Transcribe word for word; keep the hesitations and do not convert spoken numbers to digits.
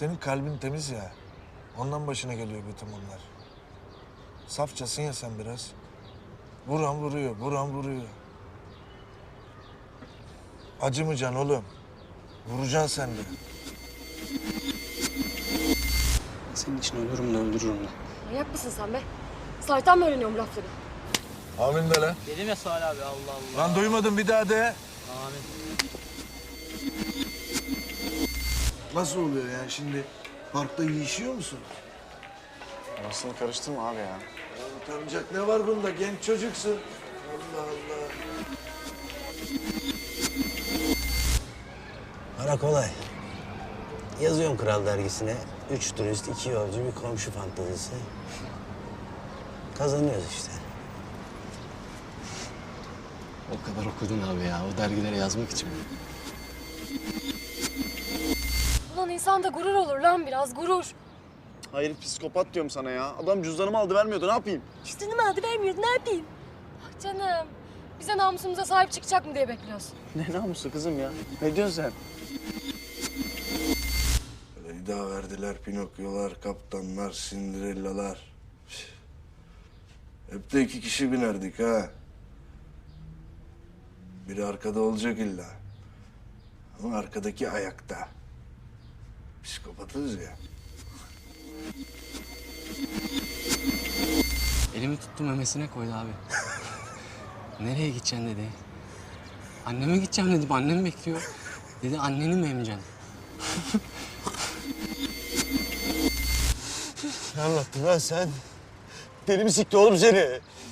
Senin kalbin temiz ya. Ondan başına geliyor bütün bunlar. Safçasın ya sen biraz. Vuran vuruyor, vuran vuruyor. Acımayacaksın oğlum. Vuracaksın sen de. Senin için ölürüm de öldürürüm de. Manyak mısın sen be? Sahiden mi öğreniyorum lafları? Amin de lan. Dedim ya Salih abi, Allah Allah. Lan duymadım, bir daha de. Amin. Nasıl oluyor yani şimdi? Parkta yiyişiyor musun? Orasını karıştırma abi ya. Utanacak ne var bunda? Genç çocuksun. Allah Allah. Para kolay. Yazıyorum Kral Dergisi'ne. Üç turist, iki yolcu, bir komşu fantezisi. Kazanıyoruz işte. O kadar okudun abi ya, o dergilere yazmak için mi? Ulan insanda gurur olur lan, biraz gurur. Hayır, psikopat diyorum sana ya. Adam cüzdanımı aldı vermiyordu, ne yapayım? Üstünü aldı vermiyordu, ne yapayım? Ah canım, bize namusumuza sahip çıkacak mı diye bekliyorsun. Ne namusu kızım ya? Ne diyorsun sen? Leyda verdiler, Pinokyolar, kaptanlar, Cinderella'lar. Hep de iki kişi binerdik ha. Biri arkada olacak illa. Ama arkadaki ayakta. Psikopatız ya. Elimi tuttu memesine koydu abi. Nereye gideceksin dedi. Anneme gideceğim dedim, annem bekliyor. Dedi anneni mi emeceksin? Ne anlattın lan sen? Deli mi sikti oğlum seni?